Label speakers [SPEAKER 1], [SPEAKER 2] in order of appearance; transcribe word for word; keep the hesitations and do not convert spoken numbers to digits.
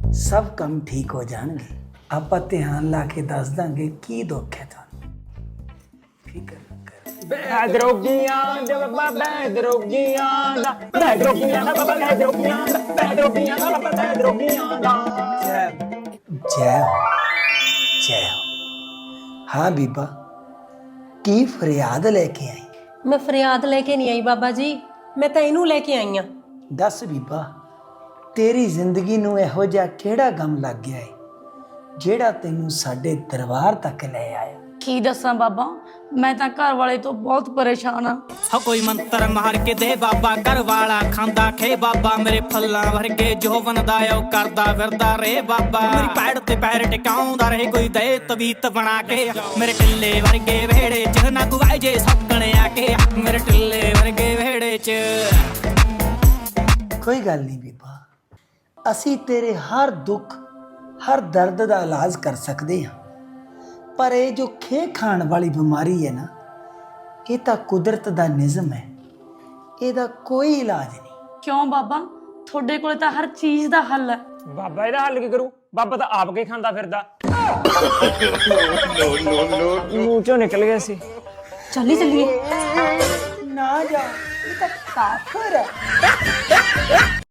[SPEAKER 1] सब काम ठीक हो जाएंगे। आप ध्यान ला के दस देंगे की दुख है थानू। फिक्र ना कर।
[SPEAKER 2] ਬੈਦਰੋਗੀਆਂ ਦੇ ਬਾਬਾ ਬੈਦਰੋਗੀਆਂ ਦਾ ਬੈਦਰੋਗੀਆਂ ਦਾ ਬਾਬਾ ਬੈਦਰੋਗੀਆਂ ਦਾ ਬੈਦਰੋਗੀਆਂ ਦਾ ਬਾਬਾ ਬੈਦਰੋਗੀਆਂ ਦਾ
[SPEAKER 1] जय हो जय हो। हाँ बीबा की फरियाद लेके आई?
[SPEAKER 3] मैं फरियाद लेके नहीं आई बाबा जी, मैं तो इनू लेके आई हाँ।
[SPEAKER 1] दस बीबा तेरी जिंदगी नूं इहो जिहा किहड़ा गम लग गया है ਜਿਹੜਾ ਤੈਨੂੰ ਸਾਡੇ ਦਰਬਾਰ ਤੱਕ ਲੈ ਆਇਆ?
[SPEAKER 4] ਕੀ ਦੱਸਾਂ ਬਾਬਾ, ਮੈਂ ਤਾਂ ਘਰ ਵਾਲੇ ਤੋਂ ਬਹੁਤ ਪਰੇਸ਼ਾਨ ਆ।
[SPEAKER 5] ਹੋ ਕੋਈ ਮੰਤਰ ਮਾਰ ਕੇ ਦੇ ਬਾਬਾ, ਘਰ ਵਾਲਾ ਖਾਂਦਾ ਖੇ ਬਾਬਾ, ਮੇਰੇ ਫੱਲਾਂ ਵਰਗੇ ਜੋਵਨ ਦਾ ਉਹ ਕਰਦਾ ਫਿਰਦਾ ਰੇ ਬਾਬਾ, ਮੇਰੀ ਪੈੜ ਤੇ ਪੈਰ ਟਿਕਾਉਂਦਾ ਰਹੇ ਕੋਈ ਦੇ ਤਵੀਤ ਬਣਾ ਕੇ, ਮੇਰੇ ਟਿੱਲੇ ਵਰਗੇ ਵਿਹੜੇ ਚ ਨਾ ਗੁਵਾਏ ਜੇ ਸੌਕਣੇ ਆ ਕੇ, ਮੇਰੇ ਟਿੱਲੇ ਵਰਗੇ ਵਿਹੜੇ ਚ।
[SPEAKER 1] ਕੋਈ ਗੱਲ ਨਹੀਂ ਬੀਬਾ, ਅਸੀਂ ਤੇਰੇ ਹਰ ਦੁੱਖ हर दर्द का इलाज कर सकते हैं, पर ये जो खे खाण वाली बीमारी है ना, ये तो कुदरत का निज़म है, ਇਹਦਾ कोई इलाज नहीं।
[SPEAKER 4] ਕਿਉਂ ਬਾਬਾ, ਤੁਹਾਡੇ ਕੋਲ ਤਾਂ ਹਰ ਚੀਜ਼ ਦਾ ਹੱਲ ਹੈ।
[SPEAKER 2] ਬਾਬਾ ਇਹਦਾ ਹੱਲ ਕੀ ਕਰੂ? ਬਾਬਾ ਤਾਂ ਆਪ ਕੇ ਖਾਂਦਾ ਫਿਰਦਾ। ਮੂੰਹ ਚੋਂ ਨਿਕਲ ਗਿਆ ਸੀ।
[SPEAKER 4] ਚੱਲੀ ਚੱਲੀਏ।
[SPEAKER 1] ना जा, ये तो काफिर है।